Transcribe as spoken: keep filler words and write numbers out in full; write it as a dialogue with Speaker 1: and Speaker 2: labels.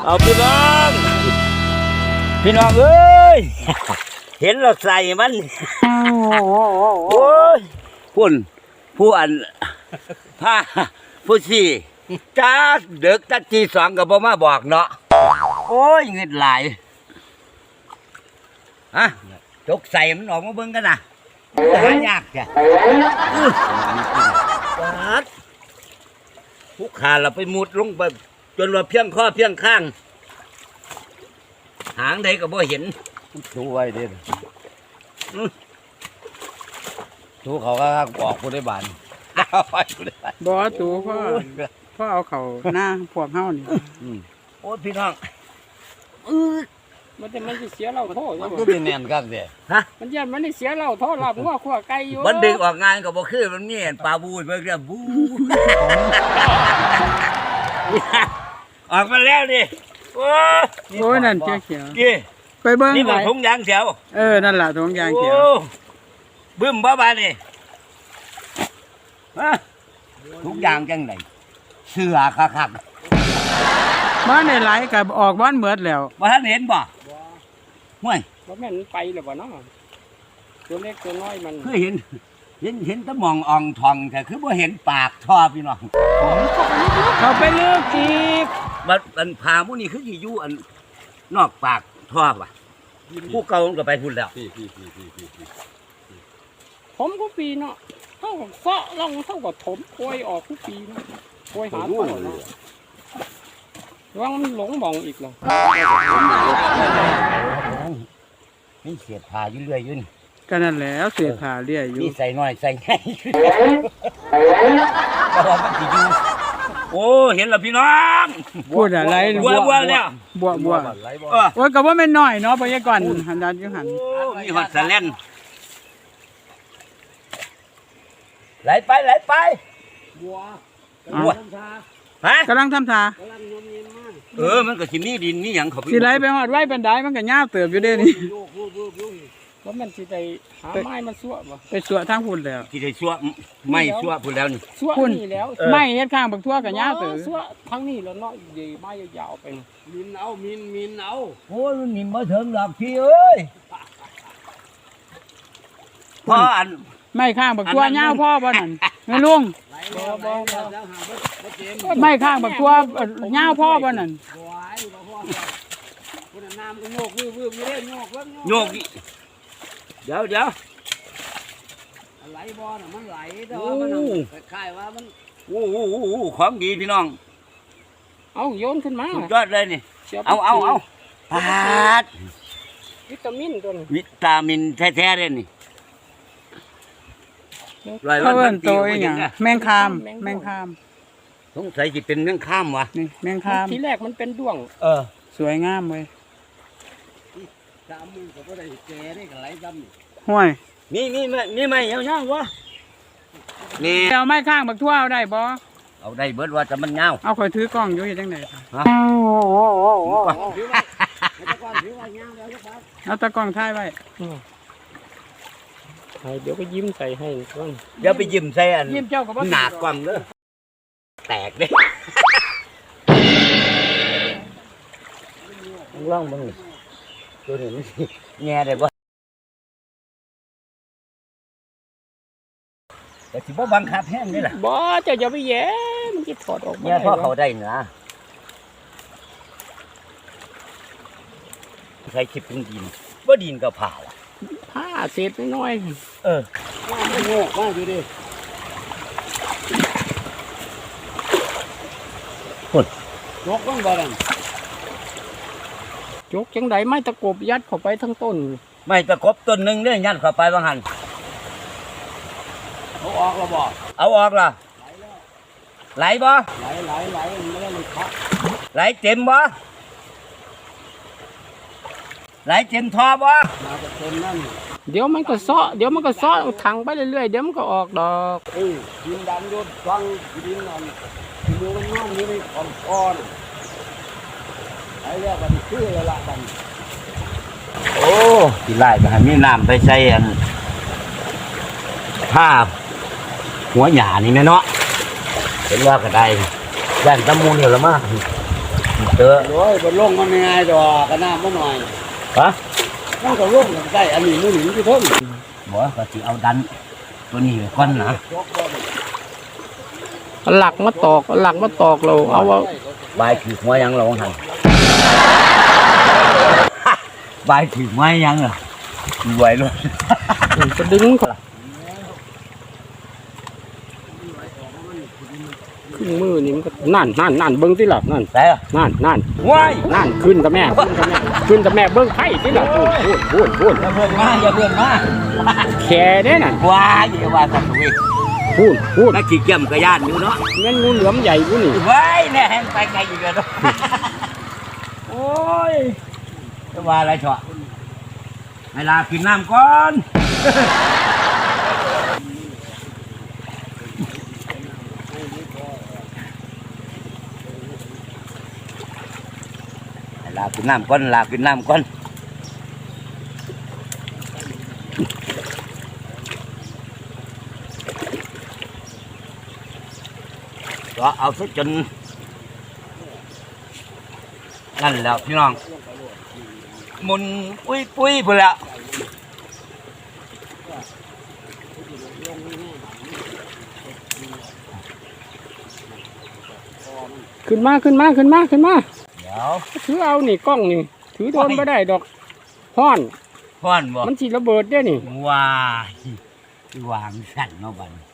Speaker 1: เอาพี่น้องพี่น้องเอ้ยเห็นเราใส่มันโอ้ยพุ่นผู้อันผ้าผู้สี่จ้าเด็กตัดทีสองกับพ่อมาบอกเนาะโอ้ยเงินหลายฮะจกใส่มันออกมาเบิ่งกันนะหายากจ้ะผู้ขาเราไปมุดลงไปจนว่าเพียงข้อเพียงข้างหางใดก็บ่เห็นดูไว้เด้ดูเขาก็บอกผู้ได้บาน
Speaker 2: บ่ตูพ่อพ่อเอาเขาหน้าพวกเฮานี่
Speaker 1: โอ้พี่น้อง
Speaker 2: มันจะมันสิเสียเราโทษ
Speaker 1: มันก็เป็นแน่นกันเด้
Speaker 2: ฮะมันยันมันได้เสียเราโทษลาบงัวขั่วไก่อยู่
Speaker 1: มันดึงออกงานก็บ่คือมันมีปลาบูเบิ่งเด้อบูออกมาแล้วดิโอ้
Speaker 2: โอ้นั่นเขียว
Speaker 1: ๆไปเบิ่งนี่บ่ถุงยางเขียว
Speaker 2: เออนั่นล่ะถุงยางเขียว
Speaker 1: บึ้มบ่บาดนี่ฮะถุงยางจังได๋เสือคัก
Speaker 2: ๆบ้านได้หลายก็ออกบ้านหมดแล้ว
Speaker 1: บ่ทันเห็นบ่ห่วย
Speaker 2: บ่แม่นไปแล้วบ่เนาะตัวเล็กตัวน้อยมัน
Speaker 1: คือเห็นเห็นเห็นตะมองอ่องทองแต่คือบ่เห็นปากท่อพี่น้อง
Speaker 2: เขาไปลึกอีก
Speaker 1: บัดอันพามื้อนี้คือสิอยู่อันนอกปากท่อว่ะผู้เก่ามันก็ไปพุ่นแล้ว
Speaker 2: ผมก็ปีเนาะเฮาก็เซาะลงเฮาก็ถมโอยออกทุกปีเนาะโอยหาต้นเนาะว่ามันหลงมองอีกเหรอ
Speaker 1: นี่เสียผ้าอยู่เรื่อยอยู่นี่
Speaker 2: ก็นั่นแหละเสียผ้าเรื่อยอยู่
Speaker 1: นี่ใส่น้อยใส่ใหญ่ก็ว่ามันสิอยู่โอ้เห็นแล้วพี่น้อง
Speaker 2: พูดอะไร
Speaker 1: บัวบัวแล้ว
Speaker 2: บัวบัวโอ้ยก็ว่าไม่น้อยเนาะพยากรณ์หันด้านอยู่หัน
Speaker 1: มีฮอดสะแล่นไหลไปไหลไปบัวบัวฮะ
Speaker 2: กำลังทำท่า
Speaker 1: เออมันก็สิมีดินมีหยังเขา
Speaker 2: สิไหลไปฮอดไว้ปานใดมันก็ยาวเติบอยู่เด้นี่ว่ามันสิได้หาไม้มาซั่วบ่ไปซั่วทางพุ่นแล้ว
Speaker 1: สิได้ซั่วไม่ซั่วพุ่นแล้วนี่
Speaker 2: ซั่วนี่แล้วไม้เฮ็ดข้างบักทั่วก็ยาวเติบซั่วทางนี้แล้วเนาะใหญ่ไม้ยาวๆไปมินเอามินมินเอา
Speaker 1: โอ้ยมันมินบ่ถึงดอกพี่เอ้ยพออัน
Speaker 2: ไม่ข้างบักทั่วยาวพ่อบ่นั่นแม่ลุงไม่ข้างบักทั่วยาวพ่อบ่นั่น
Speaker 1: โยกเดี๋ยวเดี๋ยว
Speaker 2: ไหลบ่อน่ะมันไหลเด้อมันคล้ายๆว่ามัน
Speaker 1: โอ้โหของดีพี่น้อง
Speaker 2: เอาโยนขึ้นมา
Speaker 1: สุดยอดเลยนี่เอาเอาเอาปาด
Speaker 2: วิตามินตัวนี้
Speaker 1: วิตามินแท้ๆเลยนี่
Speaker 2: เขาเอิ้นตัวอีหยังแมงคามแมงคาม
Speaker 1: สงสัยสิเป็นแมงคามวะ
Speaker 2: นี่แมงคามทีแรกมันเป็นด้วง
Speaker 1: เออ
Speaker 2: สวยงามเว้ย
Speaker 1: สามมือก็บ่ได้แก่ได้ก็ไหลดำ
Speaker 2: ห้วย
Speaker 1: นี่นี่ไม่นี่ไม่ยาวๆวะ
Speaker 2: นี่เอาไม้ข้างบักทั่วเอาได้บ่
Speaker 1: เอาได้เบิดว่าจะมันยาว
Speaker 2: เอาข่อยถือกล้องอยู่เฮ็ดจังได๋ฮะเอาตะกล้องถ่ายไว้เดี๋ยวก็ยิ้มใส่ให้ก่อน
Speaker 1: เดี๋ยวไปยิ้มใส่อัน
Speaker 2: ยิ้มเจ้าก็บ่
Speaker 1: หนากล้องเด้อแตกเด้ลองเบิ่งตัวนี้มันแง่ได้บ่แต่สิบ่บังคับแห้งนี่ล่ะ
Speaker 2: บ่เจ้าอย่าไปแย่มันสิถอดออก
Speaker 1: มาแย่พอเขาได้นะใช้คลิปถึงดินบ่ดินก็ผ่าล่ะ
Speaker 2: ผ้าเศษน้อย
Speaker 1: ๆเออว่ามันโง่ว่าอยู่ดิพุ่น
Speaker 2: ยกต้องบ่ดังยกจังได๋ไม้ตะกบยัดเข้าไปทั้งต้น
Speaker 1: ไม้ตะกบต้นนึงเด้ยัดเข้าไปว่าหั่น
Speaker 2: เอาออกแล้วบ่
Speaker 1: เอาออกล่ะไหลบ่
Speaker 2: ไหลไหลไหลไม่ได้เลยครับ
Speaker 1: ไหลเต็มบ่ไหลเต็มท่อบ่
Speaker 2: น่าจะเต็มนั่นเดี๋ยวมันก็ซ้อเดี๋ยวมันก็ซ้อถังไปเรื่อยๆเดี๋ยวมันก็ออกดอก
Speaker 1: เออดินดำโดนฟังดินนั่นดูมันงอมอยู่ในก้อนไอ้เรียกว่าชื่อละบัดโอ้สิไล่ไปให้มีน้ำไปใส่อันผ้าหัวหญ้านี่แม่เนาะเห็นว่าก็ได้ย่านตะมูนอยู่ละมาเจอ
Speaker 3: โอ้ยบนลงมันง่ายดอกกันน้ำมันหน่อย
Speaker 1: ฮะ
Speaker 3: มันก็ลงได้อันนี้มือหนึ่งที่เพิ่ม
Speaker 1: บ่ก็สิเอาดันตัวนี้ไว้ก่อนนะ
Speaker 2: เอาหลักมาตอกเอาหลักมาตอกเราเอาว่า
Speaker 1: บายถือหัวยังเราหัน บายถือไม้ยังเหรอไหวเลย
Speaker 2: จะดึงก่อนขึ้นมือนี่มันก็นั่นนั่นนั่นเบิ้งที่หลับนั่น
Speaker 1: แต่
Speaker 2: นั่นนั่น
Speaker 1: ว้าย
Speaker 2: นั่นขึ้นกับแม่ขึ้นกับแม่ขึ้นกับแม่เบิ้งไผ่ที่หลับพูดพูดพูดพูด
Speaker 1: อย่าเพิ่งมาอย่าเพิ่งมา
Speaker 2: แค่เด้น่ะ
Speaker 1: ว้ายอย่าว่ากันเลย
Speaker 2: พูดพูด
Speaker 1: นักขี่เกี่ยมกระยานอยู่เนาะ
Speaker 2: แม่นงูเหลือมใหญ่กูนี่
Speaker 1: ว้ายแน่แห้งไปไกลอยู่เลยเนาะโอ้ยจะว่าอะไรเถอะเวลากินน้ำก่อนลากินน้ำก้อนลากินน้ำก้อนก็เอาซะจนนั่นแล้วพี่น้องหมุนปุ้ยปุ้ยไปแล้ว
Speaker 2: ขึ้นมาขึ้นมาขึ้นมาขึ้นมา
Speaker 1: เดี๋ยว
Speaker 2: ถือเอานี่กล้องนี่ถือโดนไม่ได้ดอกห้อน
Speaker 1: พ่อนบอก
Speaker 2: มันสิระเบิดได้นี่
Speaker 1: ว้าย วางสั่นเนาะบัดนี้